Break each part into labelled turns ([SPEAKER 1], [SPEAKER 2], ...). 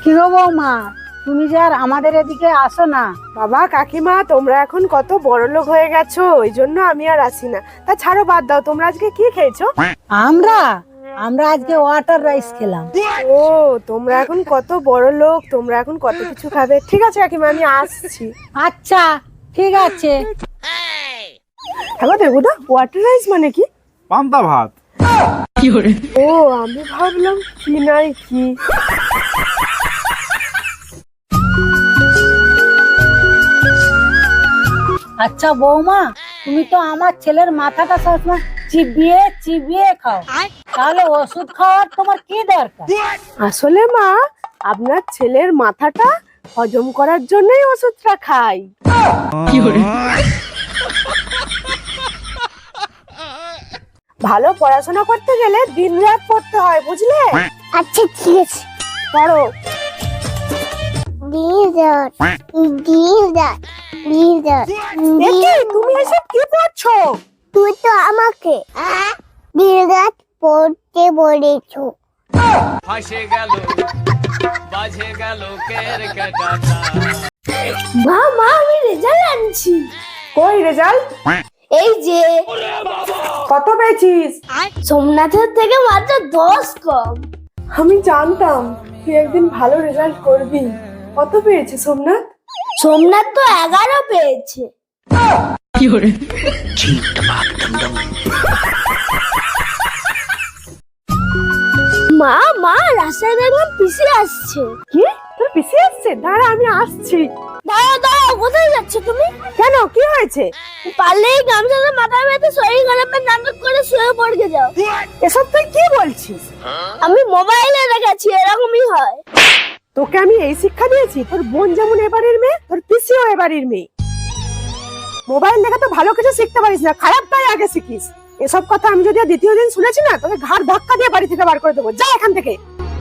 [SPEAKER 1] কি গো বৌমা, তুমি যে আর আমাদের এদিকে আসো না?
[SPEAKER 2] বাবা কাকিমা, তোমরা এখন কত বড় লোক হয়ে গেছো, ওই জন্য আমি আর আসি না। তা ছাড়ো, বাদ দাও। তোমরা আজকে কি খেয়েছো?
[SPEAKER 1] আমরা আমরা আজকে ওয়াটার রাইস খেলাম।
[SPEAKER 2] ও, তোমরা এখন কত বড় লোক, তোমরা এখন কত কিছু খাবে। ঠিক আছে কাকিমা, আমি আসছি।
[SPEAKER 1] আচ্ছা ঠিক আছে।
[SPEAKER 2] হ্যাঁ দেবুদা, ওয়াটার রাইস মানে কি?
[SPEAKER 3] পান্তা ভাত।
[SPEAKER 2] ও, আমি ভাবলাম কি নাই কি।
[SPEAKER 1] আচ্ছা বৌমা, তুমি তো আমার ছেলের মাথাটা সবসময় চিবিয়ে চিবিয়ে খাও, তাহলে ওষুধ খাওয়ার তোমার কি দরকার?
[SPEAKER 2] আসলে মা, আপনার ছেলের মাথাটা হজম করার জন্যই ওষুধটা খাই। ভালো পড়াশোনা করতে গেলে দিন রাত পড়তে হয়, বুঝলে?
[SPEAKER 4] আচ্ছা ঠিক আছে,
[SPEAKER 2] পড়ো।
[SPEAKER 4] ডিজার্ট ডিজার্ট ডিজার্ট
[SPEAKER 2] একি, তুমি এসব কি পড়ছো?
[SPEAKER 4] তুই তো আমাকে ডিজার্ট পড়তে বলেছো।
[SPEAKER 5] ফাঁসে গেল বাজে গেল কেরকেটাটা।
[SPEAKER 4] মা মা, আমি রেজাল্ট আনছি।
[SPEAKER 2] কই রেজাল্ট?
[SPEAKER 4] এই যে,
[SPEAKER 2] কত পেয়েছিস?
[SPEAKER 4] সোমনাথের থেকে মাত্র 10 কম।
[SPEAKER 2] আমি জানতাম তুই একদিন ভালো রেজাল্ট করবি। কত পেয়েছে সোমনাথ?
[SPEAKER 4] সোমনাথ তো 11 পেয়েছে। মা মা, রাস্তায় দেখলাম পিসি আসছে।
[SPEAKER 2] কি, তোর পিসি আসছে? দাঁড়া, আমি আসছি।
[SPEAKER 4] দাঁড়াও দাঁড়াও, কোথায় যাচ্ছ তুমি?
[SPEAKER 2] কেন, কি হয়েছে?
[SPEAKER 4] পারলেই গামছাটা মাথায় বেঁধে শরীর খারাপের নাটক করে শুয়ে পড়ে যাও।
[SPEAKER 2] এসব তুই কি বলছিস?
[SPEAKER 4] আমি মোবাইলে দেখেছি এরকমই হয়।
[SPEAKER 2] তোকে আমি এই শিক্ষা দিয়েছি? তোর বোন যেমন এবারের মেয়ে, তোর পিসিও এবারের মেয়ে। মোবাইল দেখে তো ভালো কিছু শিখতে পারিস না, খারাপটাই আগে শিখিস। এসব কথা আমি যদি আর দ্বিতীয় দিন শুনেছি না, তোকে ঘাড় ধাক্কা দিয়ে বাড়ি থেকে বার করে দেবো। যা এখান থেকে।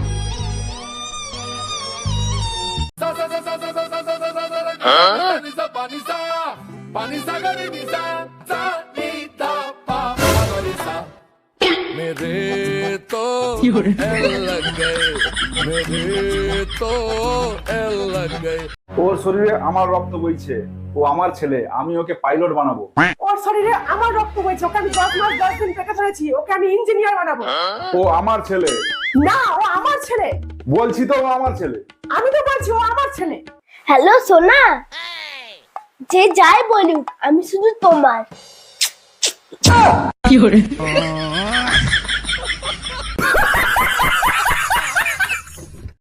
[SPEAKER 5] मेरे तो एल लग गए, मेरे तो एल लग गए।
[SPEAKER 3] ওর শরীরে আমার রক্ত বইছে, ও আমার ছেলে, আমি ওকে পাইলট বানাবো।
[SPEAKER 2] ওর শরীরে আমার রক্ত বইছে, ওকে আমি 10 মাস 10 দিন পেটে ধরেছি, ওকে আমি ইঞ্জিনিয়ার বানাবো।
[SPEAKER 3] ও আমার ছেলে।
[SPEAKER 2] না, ও আমার ছেলে।
[SPEAKER 3] বলছি তো ও আমার ছেলে।
[SPEAKER 2] আমি তো বলছি ও আমার ছেলে।
[SPEAKER 4] হ্যালো সোনা, যে যাই বলুক আমি শুধু তোমার।